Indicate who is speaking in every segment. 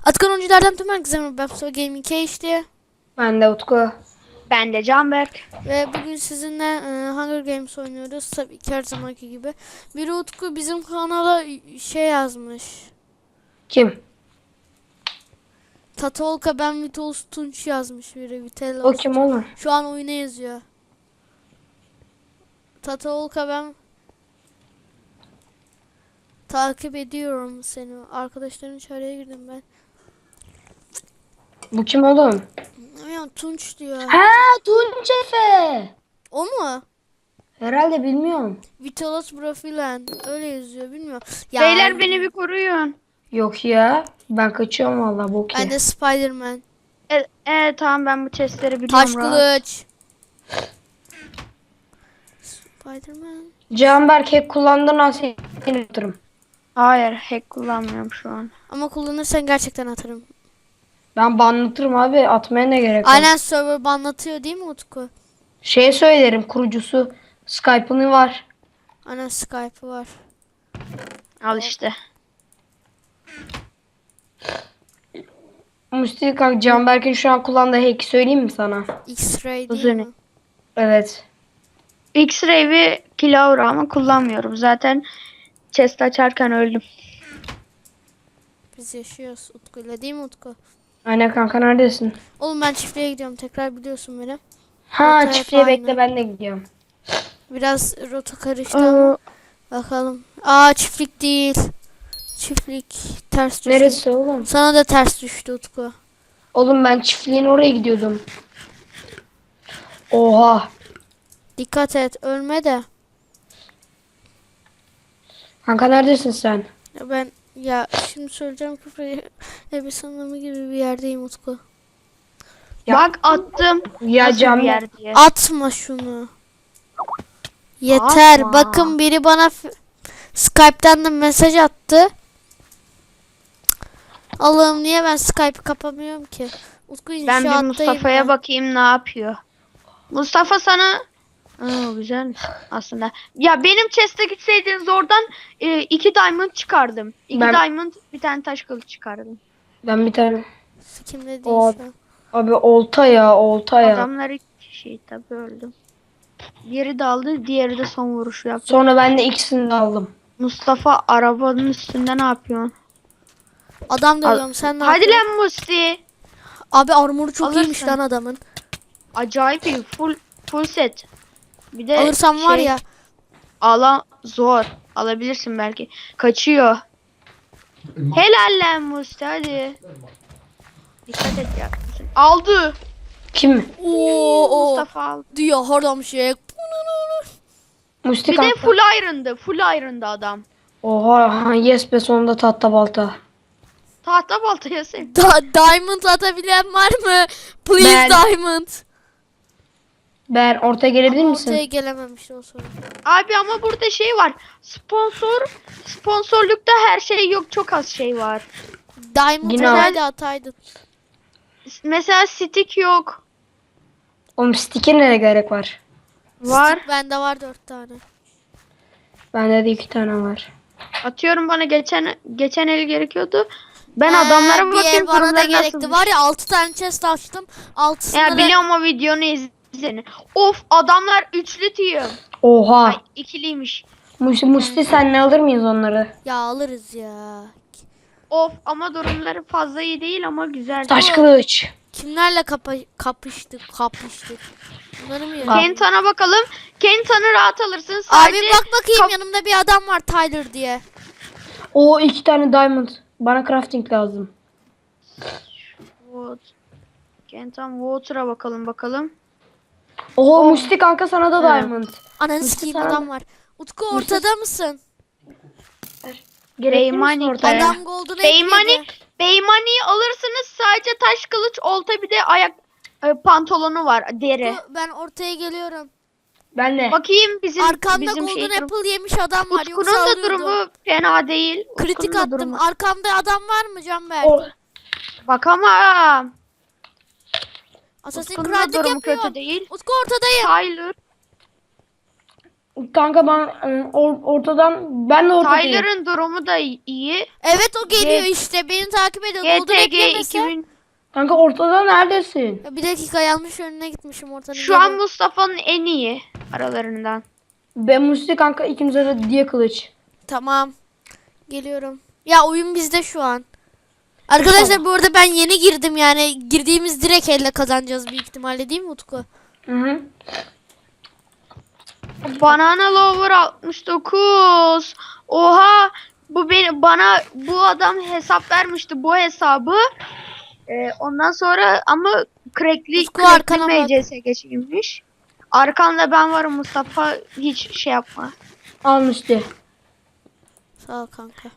Speaker 1: Atakan oyunculardan tüm herkese merhaba. Ben Mustafa Gaming işte.
Speaker 2: Ben de Utku.
Speaker 3: Ben de Canberk.
Speaker 1: Ve bugün sizinle Hunger Games oynuyoruz. Tabii ki her zamanki gibi. Biri Utku bizim kanala şey yazmış.
Speaker 2: Kim?
Speaker 1: Tatolka ben Vitos Tunç yazmış biri.
Speaker 2: O
Speaker 1: Vitelos.
Speaker 2: kim oğlum?
Speaker 1: Şu an oyuna yazıyor. Tatolka ben takip ediyorum seni. Arkadaşların çağrıya girdim ben.
Speaker 2: Bu kim oğlum?
Speaker 1: Ya Tunç diyor.
Speaker 2: Ha, Tunç Efe.
Speaker 1: O mu?
Speaker 2: Herhalde bilmiyorum.
Speaker 1: Vitelos profilen. Öyle yazıyor bilmiyorum. Ya,
Speaker 3: Beyler beni bir koruyun.
Speaker 2: Yok ya. Ben kaçıyorum valla bok
Speaker 1: ben
Speaker 2: ya.
Speaker 1: de Spider-Man.
Speaker 3: Tamam ben bu chestleri biliyorum.
Speaker 1: Taş
Speaker 3: rahat.
Speaker 1: kılıç. Spider-Man.
Speaker 2: Canberk hack kullandığın an seni atarım.
Speaker 3: Hayır hack kullanmıyorum şu an.
Speaker 1: Ama kullanırsan gerçekten atarım.
Speaker 2: Ben banlatırım abi. Atmaya ne gerek var?
Speaker 1: Aynen server banlatıyor değil mi Utku?
Speaker 2: Şey söylerim, kurucusu Skype'ını var.
Speaker 1: Aynen Skype'ı var.
Speaker 3: Al işte.
Speaker 2: Musti kanka Canberk'in şu an kullandığı hack'i söyleyeyim mi sana?
Speaker 1: X-ray değil
Speaker 3: Uzun.
Speaker 1: mi?
Speaker 2: Evet.
Speaker 3: X-ray ve Kilaura ama kullanmıyorum. Zaten chest açarken öldüm.
Speaker 1: Biz yaşıyoruz Utku'yla değil mi Utku?
Speaker 2: Aynen kanka neredesin?
Speaker 1: Oğlum ben çiftliğe gidiyorum tekrar biliyorsun beni.
Speaker 2: Ha
Speaker 1: Evet,
Speaker 2: çiftliğe
Speaker 1: aynı.
Speaker 2: bekle ben de gidiyorum.
Speaker 1: Biraz rota karıştı ama bakalım. Aa çiftlik değil. Çiftlik ters düştü.
Speaker 2: Neresi oğlum?
Speaker 1: Sana da ters düştü Utku.
Speaker 2: Oğlum ben çiftliğin oraya gidiyordum. Oha.
Speaker 1: Dikkat et ölme de.
Speaker 2: Kanka neredesin sen?
Speaker 1: Ya ben şimdi söyleyeceğim küfür bir sanımı gibi bir yerdeyim Utku.
Speaker 2: Ya-
Speaker 3: Bak attım.
Speaker 2: Ya
Speaker 3: Nasıl bir
Speaker 2: Canberk.
Speaker 3: yer diye.
Speaker 1: Atma şunu. Yeter.
Speaker 3: Atma.
Speaker 1: Bakın biri bana Skype'tan da mesaj attı. Allah'ım niye ben Skype'ı kapamıyorum ki? Utku
Speaker 3: Ben bir
Speaker 1: inşaattayım
Speaker 3: Mustafa'ya
Speaker 1: ben.
Speaker 3: bakayım ne yapıyor. Mustafa sana... güzel aslında. Ya benim chest'e gitseydiniz oradan 2 diamond çıkardım. 2
Speaker 2: Ben-
Speaker 3: diamond bir tane taş kılıç çıkardım.
Speaker 2: Ben bir tane.
Speaker 1: Kimde değil
Speaker 2: O-
Speaker 1: şu an.
Speaker 2: Abi olta ya olta ya.
Speaker 3: Adamlar 2 kişi tabi öldüm. Biri daldı, diğeri de son vuruşu yaptı.
Speaker 2: Sonra ben de ikisini de aldım.
Speaker 3: Mustafa arabanın üstünde ne yapıyorsun?
Speaker 1: Adam dövüyorum sen ne
Speaker 3: Hadi
Speaker 1: yapıyorsun?
Speaker 3: lan Musti.
Speaker 1: Abi armoru çok
Speaker 3: Alırsın.
Speaker 1: iyiymiş lan adamın.
Speaker 3: Acayip iyi, full set. Bir de
Speaker 1: Alırsam var ya.
Speaker 3: zor. Alabilirsin belki. Kaçıyor. Helal lan Musti hadi. Dikkat et ya. Aldı.
Speaker 2: Kim?
Speaker 1: Oo
Speaker 3: Mustafa aldı.
Speaker 1: diyor hardam şey.
Speaker 2: Musti
Speaker 3: Bir de
Speaker 2: kanka.
Speaker 3: full iron'dı adam.
Speaker 2: Oha yes be sonunda tahta balta.
Speaker 3: Tahta baltaya sev.
Speaker 1: Diamond atabilen var mı? Please
Speaker 2: Ben-
Speaker 1: diamond.
Speaker 2: Ben ortaya gelebilir
Speaker 1: Ama
Speaker 2: misin?
Speaker 1: ortaya gelememiş o sorun.
Speaker 3: Abi ama burada şey var. Sponsorlukta her şey yok. Çok az şey var.
Speaker 1: Diamond
Speaker 2: Yine
Speaker 1: herhalde ataydın.
Speaker 3: Mesela stick yok.
Speaker 2: Oğlum stick'e ne gerek var?
Speaker 3: Var.
Speaker 1: Stick bende var 4 tane.
Speaker 2: Bende de 2 tane var.
Speaker 3: Atıyorum bana geçen el gerekiyordu. Ben adamlara
Speaker 1: bir el
Speaker 3: bakayım
Speaker 1: bana da
Speaker 3: durumları
Speaker 1: gerekti.
Speaker 3: nasılmış.
Speaker 1: Var ya 6 tane chest açtım. 6'sını
Speaker 3: Ya
Speaker 1: da
Speaker 3: biliyorum o videonu izleyin. Of adamlar üçlü team.
Speaker 2: Oha.
Speaker 3: Ay ikiliymiş.
Speaker 2: Musti sen ne alır mıyız onları?
Speaker 1: ya alırız ya.
Speaker 3: Of ama durumları fazla iyi değil ama güzel.
Speaker 2: Taş kılıç.
Speaker 1: Kimlerle kapıştık? Bunları mı yiyelim?
Speaker 3: Kentan'a bakalım. Kentan'ı rahat alırsın.
Speaker 1: Abi
Speaker 3: Sadece
Speaker 1: bak bakayım
Speaker 3: kap-
Speaker 1: yanımda bir adam var Tyler diye.
Speaker 2: O 2 tane diamond. Bana crafting lazım.
Speaker 3: Kentan Water'a bakalım.
Speaker 2: Oho Musti kanka sana da diamond.
Speaker 1: Ananı
Speaker 2: Musti
Speaker 1: sikeyim
Speaker 2: sana
Speaker 1: adam
Speaker 2: da-
Speaker 1: var. Utku ortada mısın?
Speaker 2: Gerekli misin
Speaker 3: Beymani
Speaker 2: ortaya?
Speaker 1: Adam golden
Speaker 3: Beymani'yi alırsınız. Sadece taş kılıç, olta bir de ayak pantolonu var deri.
Speaker 1: Ben ortaya geliyorum.
Speaker 2: Ben de.
Speaker 3: Bakayım bizim
Speaker 1: Arkamda
Speaker 3: bizim
Speaker 1: golden
Speaker 3: şey
Speaker 1: apple yemiş adam var. Yoksa
Speaker 3: Utku'nun da
Speaker 1: alıyordum.
Speaker 3: durumu fena değil.
Speaker 1: Kritik
Speaker 3: Utku'nun da
Speaker 1: attım.
Speaker 3: durumu-
Speaker 1: Arkamda adam var mı Canberk?
Speaker 3: Bakamam.
Speaker 1: Assassin's
Speaker 3: Utku'nun da
Speaker 1: Creed'lik
Speaker 3: durumu
Speaker 1: yapıyor.
Speaker 3: kötü değil.
Speaker 1: Utku ortadayım.
Speaker 3: Tyler.
Speaker 2: Kanka ben ortadan ben de ortadayım.
Speaker 3: Tyler'ın durumu da iyi.
Speaker 1: Evet o geliyor işte. Beni takip ediyor. Doldur
Speaker 3: GTG
Speaker 1: eklemese.
Speaker 3: 2000.
Speaker 2: Kanka ortada neredesin?
Speaker 1: Ya bir dakika yanlış önüne gitmişim ortanın.
Speaker 3: Şu an Mustafa'nın en iyi aralarından.
Speaker 2: Ben Musti kanka ikimize de diye kılıç.
Speaker 1: Tamam. Geliyorum. Ya oyun bizde şu an. Arkadaşlar bu arada ben yeni girdim yani. Girdiğimiz direkt elle kazanacağız büyük ihtimalle değil mi Utku?
Speaker 2: Hı hı.
Speaker 3: Banana Lover 69. Oha, bana bu adam hesap vermişti, bu hesabı. Ondan sonra ama
Speaker 1: Utku arkana bak.
Speaker 3: MCS geçilmiş. Arkanda ben varım Mustafa, hiç şey yapma.
Speaker 2: Al Musti.
Speaker 1: Sağ ol kanka.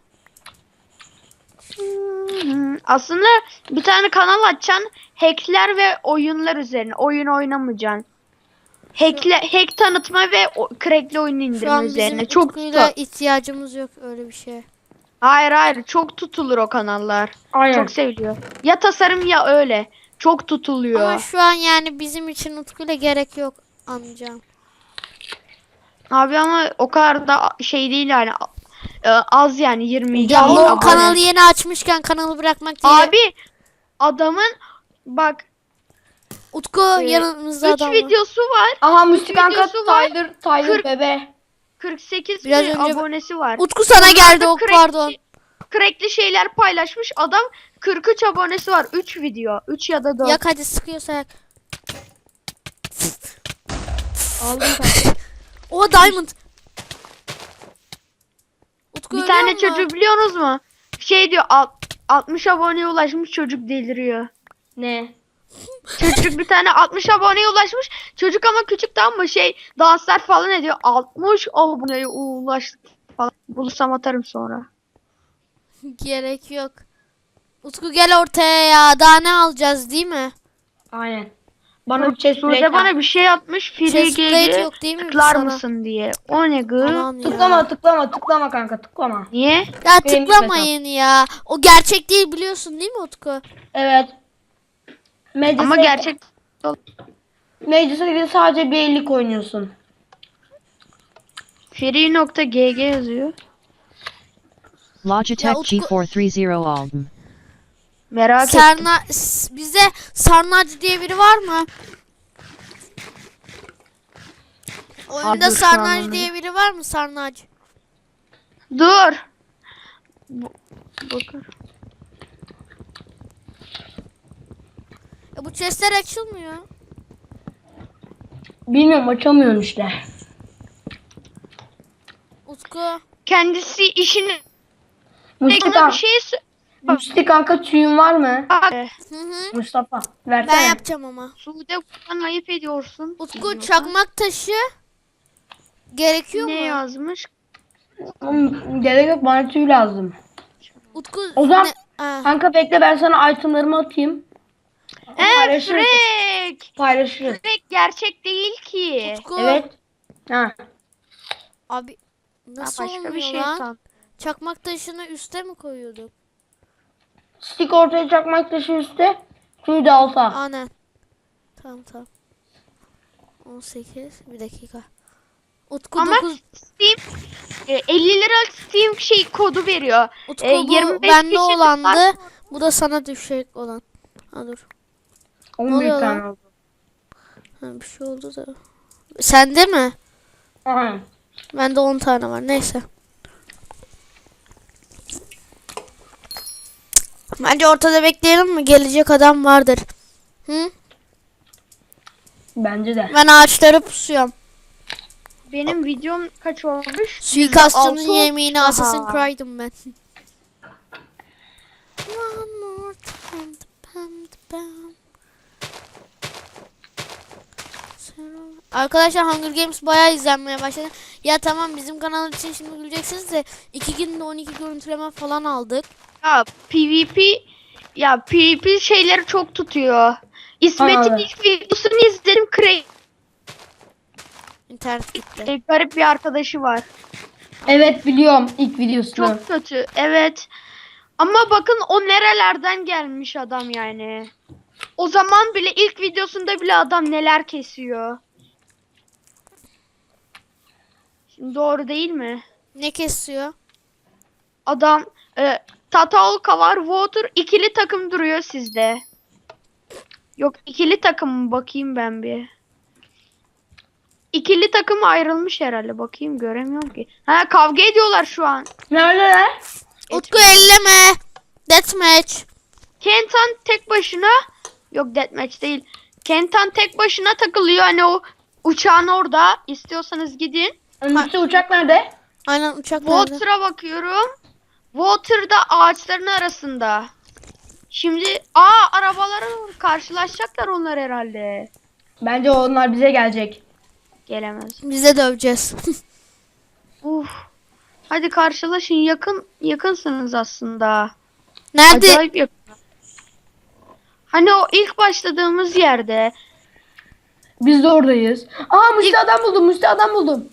Speaker 3: Aslında bir tane kanal açacaksın. Hackler ve oyunlar üzerine. Oyun oynamayacaksın. Hack tanıtma ve crackli oyun
Speaker 1: Şu
Speaker 3: indirme
Speaker 1: an bizim
Speaker 3: üzerine. Çok
Speaker 1: Utku'yla
Speaker 3: tutar.
Speaker 1: ihtiyacımız yok öyle bir şeye.
Speaker 3: Hayır, çok tutulur o kanallar.
Speaker 2: Aynen.
Speaker 3: Çok seviliyor. Ya tasarım ya öyle. Çok tutuluyor.
Speaker 1: Ama şu an yani bizim için Utku'yla gerek yok anlayacağım.
Speaker 3: Abi ama o kadar da şey değil yani. Az yani 22
Speaker 1: Ya o
Speaker 3: abone.
Speaker 1: kanalı yeni açmışken kanalı bırakmak değil.
Speaker 3: Abi adamın bak
Speaker 1: Utku yanımızda
Speaker 3: 3
Speaker 1: adam var.
Speaker 3: videosu var.
Speaker 2: Aha Musti kanka
Speaker 3: videosu var.
Speaker 2: Tyler
Speaker 3: 40
Speaker 2: bebe.
Speaker 3: 48
Speaker 1: Biraz
Speaker 3: bin
Speaker 1: önce-
Speaker 3: abonesi var.
Speaker 1: Utku sana geldi ok
Speaker 3: crack-
Speaker 1: pardon.
Speaker 3: Crackli şeyler paylaşmış. Adam 43 abonesi var. 3 video. 3 ya da 4.
Speaker 1: Yak hadi sıkıyorsa yak.
Speaker 3: Aldım kanka.
Speaker 1: O diamond. Utku
Speaker 3: Bir
Speaker 1: ölüyor
Speaker 3: tane
Speaker 1: mu?
Speaker 3: çocuğu biliyorsunuz mu? Şey diyor 60 aboneye ulaşmış, çocuk deliriyor.
Speaker 2: Ne?
Speaker 3: Çocuk bir tane 60 aboneye ulaşmış. Çocuk ama küçük, tamam mı? Şey, danslar falan ediyor. 60 aboneye ulaştık falan. Bulursam atarım sonra.
Speaker 1: Gerek yok. Utku gel ortaya ya. Daha ne alacağız değil mi?
Speaker 2: Aynen. Bana bir chest plate
Speaker 3: Sude bana
Speaker 2: al.
Speaker 3: bir şey atmış. Free
Speaker 1: Chestplate
Speaker 3: GG
Speaker 1: yok değil mi
Speaker 3: tıklar
Speaker 1: sana?
Speaker 3: mısın diye. O ne gı?
Speaker 1: Aman ya.
Speaker 2: Tıklama kanka tıklama.
Speaker 3: Niye?
Speaker 1: Ya
Speaker 2: Benim
Speaker 1: tıklamayın ya. O gerçek değil biliyorsun değil mi Utku?
Speaker 2: Evet. Meclise,
Speaker 3: Ama gerçek
Speaker 2: Meclise sadece bir ellik oynuyorsun.
Speaker 3: free.gg yazıyor.
Speaker 4: Logitech
Speaker 1: Ya Utku-
Speaker 4: G430 album.
Speaker 3: Merak ettim.
Speaker 1: Bize Sarnacı diye biri var mı? Oyunda
Speaker 3: dur, şu an
Speaker 1: Sarnacı
Speaker 3: onu-
Speaker 1: diye biri var mı? Sarnacı.
Speaker 3: Dur. Bakın.
Speaker 1: Bu chestler açılmıyor.
Speaker 2: Bilmiyorum açamıyorsun işte.
Speaker 1: Utku.
Speaker 3: Kendisi işini
Speaker 2: Musti
Speaker 3: bir
Speaker 2: kanka,
Speaker 3: şey
Speaker 2: Musti kanka tüyün var mı?
Speaker 1: Hı hı.
Speaker 2: Mustafa
Speaker 1: Ben
Speaker 2: versene.
Speaker 1: yapacağım ama.
Speaker 3: Sude, buradan ayıp ediyorsun.
Speaker 1: Utku çakmak taşı gerekiyor
Speaker 3: Ne
Speaker 1: mu?
Speaker 3: yazmış?
Speaker 2: Oğlum, gerek yok bana tüy lazım.
Speaker 1: Utku
Speaker 2: O zaman
Speaker 1: Ha.
Speaker 2: kanka bekle ben sana itemlarımı atayım. Paylaşırız.
Speaker 3: Frek.
Speaker 2: Paylaşırız.
Speaker 3: Frek gerçek değil ki.
Speaker 1: Utku.
Speaker 2: Evet. Ha.
Speaker 1: Abi
Speaker 3: Ha,
Speaker 1: nasıl
Speaker 3: başka
Speaker 1: olmuyor
Speaker 3: bir şey
Speaker 1: lan?
Speaker 3: san.
Speaker 1: Çakmak taşını üste mi koyuyorduk?
Speaker 2: Stick ortaya çakmak taşı üstte. Tüy de alta.
Speaker 1: Aynen. Tamam. 18 bir dakika. Utku
Speaker 3: Ama
Speaker 1: 9
Speaker 3: Steam 50 lira Steam şey kodu veriyor.
Speaker 1: Utku bu
Speaker 3: 25
Speaker 1: bende
Speaker 3: kişi
Speaker 1: olandı.
Speaker 3: var.
Speaker 1: Bu da sana düşecek olan. Ha dur.
Speaker 2: 11
Speaker 1: oluyor
Speaker 2: tane
Speaker 1: lan?
Speaker 2: oldu.
Speaker 1: Ha, bir şey oldu da. Sende mi?
Speaker 2: Aha.
Speaker 1: Bende 10 tane var. Neyse. Bence ortada bekleyelim mi? Gelecek adam vardır. Hı?
Speaker 2: Bence de.
Speaker 1: Ben ağaçları pusuyorum.
Speaker 3: Benim videom kaç olmuş?
Speaker 1: Suikastçının
Speaker 3: %6
Speaker 1: yemeğini
Speaker 3: Aha.
Speaker 1: Assassin's Creed'im ben. One more time, pam, pam. Arkadaşlar Hunger Games bayağı izlenmeye başladı. Ya tamam bizim kanal için şimdi güleceksiniz de 2 günde 12 görüntüleme falan aldık.
Speaker 3: Ya PvP şeyleri çok tutuyor. İsmet'in
Speaker 2: Abi.
Speaker 3: ilk videosunu izledim.
Speaker 1: İnternet gitti.
Speaker 3: Garip bir arkadaşı var.
Speaker 2: Evet biliyorum ilk videosunu.
Speaker 3: Çok kötü. Evet. Ama bakın o nerelerden gelmiş adam yani. O zaman bile ilk videosunda bile adam neler kesiyor. Doğru değil mi?
Speaker 1: Ne kesiyor?
Speaker 3: Adam Tatalka var. Water ikili takım duruyor sizde. Yok ikili takım mı? Bakayım ben bir. İkili takım ayrılmış herhalde. Bakayım göremiyorum ki. Ha kavga ediyorlar şu an.
Speaker 2: Neredeler?
Speaker 1: Utku elleme. Deathmatch.
Speaker 3: Kentan tek başına yok deathmatch değil. Kentan tek başına takılıyor. Hani o uçağın orada. İstiyorsanız gidin.
Speaker 2: Önümüzde uçak nerede?
Speaker 1: Aynen uçak nerede?
Speaker 3: Water'a bakıyorum. Water'da ağaçların arasında. Şimdi arabalara karşılaşacaklar onlar herhalde.
Speaker 2: Bence onlar bize gelecek.
Speaker 3: Gelemez.
Speaker 1: Bize döveceğiz.
Speaker 3: Uf. Hadi karşılaşın. Yakınsınız aslında.
Speaker 1: Nerede?
Speaker 3: Acayip yakın. Hani o ilk başladığımız yerde.
Speaker 2: Biz de oradayız. Aa Musti adam buldum. Musti adam buldum.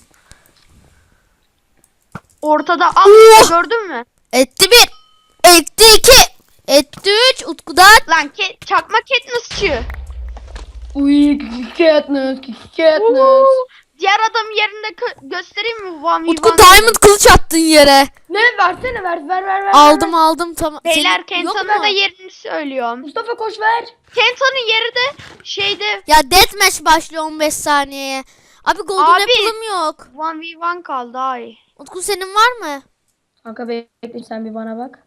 Speaker 3: Ortada gördün mü?
Speaker 1: Etti bir. Etti iki. Etti üç. Utku'dan.
Speaker 3: Lan çakma Katniss'çı.
Speaker 2: Uy Katniss. Katniss.
Speaker 3: Diğer adam yerinde göstereyim mi? 1v1.
Speaker 1: Utku diamond kılıç attın yere.
Speaker 2: Ne versene ver.
Speaker 1: Aldım tamam.
Speaker 3: Beyler
Speaker 1: Senin yok
Speaker 3: Kentan'a
Speaker 1: mu?
Speaker 3: da yerini söylüyorum.
Speaker 2: Mustafa koş ver.
Speaker 3: Kentan'ın yeri de şeyde
Speaker 1: Ya deathmatch başlıyor 15 saniyeye. Abi golden
Speaker 3: Abi.
Speaker 1: apple'ım yok.
Speaker 3: 1v1 kaldı ay.
Speaker 1: Utku senin var mı?
Speaker 2: Kanka bekle sen bir bana bak.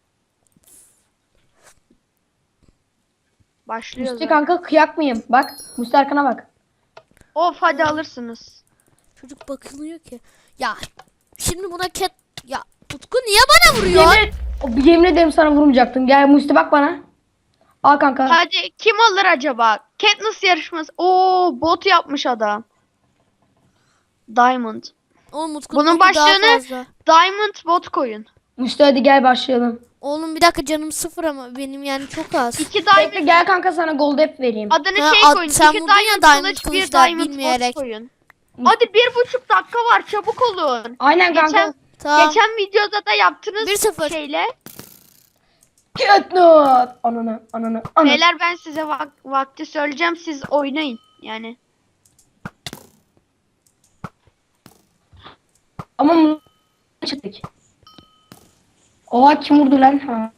Speaker 3: Başlıyor
Speaker 2: Musti
Speaker 3: zaten.
Speaker 2: kanka kıyak mıyım? Bak Musti arkana bak.
Speaker 3: Of hadi alırsınız.
Speaker 1: Çocuk bakılıyor ki. Ya şimdi buna ya Utku niye bana vuruyor?
Speaker 2: Yemin ederim sana vurmayacaktım. Gel Musti bak bana. Al kanka.
Speaker 3: Hadi kim alır acaba? Katniss yarışması. Oo bot yapmış adam. Diamond.
Speaker 1: Oğlum Utku'nun
Speaker 3: Bunun
Speaker 1: botu daha
Speaker 3: başlığını
Speaker 1: fazla.
Speaker 3: Diamond bot koyun.
Speaker 2: Musti hadi gel başlayalım.
Speaker 1: Oğlum bir dakika canım sıfır ama benim yani çok az.
Speaker 3: 2
Speaker 2: Bekle
Speaker 3: Diamond
Speaker 2: gel kanka sana gold app vereyim.
Speaker 3: adını
Speaker 1: Ha,
Speaker 3: şey koyun.
Speaker 1: sen
Speaker 3: 2
Speaker 1: vurdun ya
Speaker 3: Diamond
Speaker 1: Diamond
Speaker 3: kılıç, 1
Speaker 1: kılıçlar
Speaker 3: Diamond
Speaker 1: bilmeyerek.
Speaker 3: bot koyun. Hadi 1,5 dakika var çabuk olun.
Speaker 2: Aynen kanka.
Speaker 3: Geçen,
Speaker 1: Tamam.
Speaker 3: geçen videoda da yaptınız
Speaker 1: 1-0.
Speaker 3: şeyle.
Speaker 2: Katniss. Ananı.
Speaker 3: Beyler ben size vakti söyleyeceğim siz oynayın yani.
Speaker 2: Ama çıktık. Oha kim vurdu lan? Ha.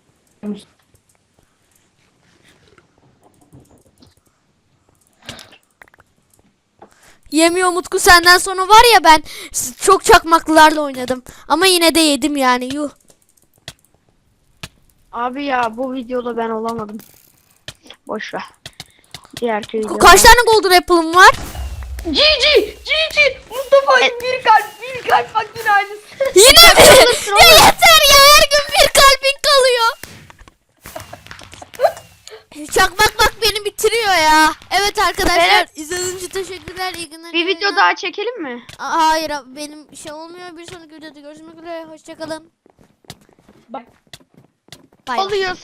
Speaker 1: Yemiyor Utku senden sonra var ya ben çok çakmaklılarla oynadım. Ama yine de yedim yani yuh.
Speaker 3: Abi ya bu videoda ben olamadım. Boş ver. Diğerki
Speaker 1: Utku
Speaker 3: video.
Speaker 1: kaç tane golden apple'ım var?
Speaker 2: GG. Mustafa bir kalp bak yine aynısı.
Speaker 1: Yine mi? Ya yeter ya her gün bir kalbin kalıyor. Çakmak bak beni bitiriyor ya. Evet arkadaşlar
Speaker 3: Evet.
Speaker 1: izlediğiniz için teşekkürler. İyi günler.
Speaker 3: Bir
Speaker 1: iyi
Speaker 3: video
Speaker 1: günler.
Speaker 3: daha çekelim mi?
Speaker 1: Hayır benim şey olmuyor. Bir sonraki videoda görüşmek üzere. Hoşçakalın.
Speaker 2: Bak.
Speaker 1: Bay bay.
Speaker 3: Oluyor.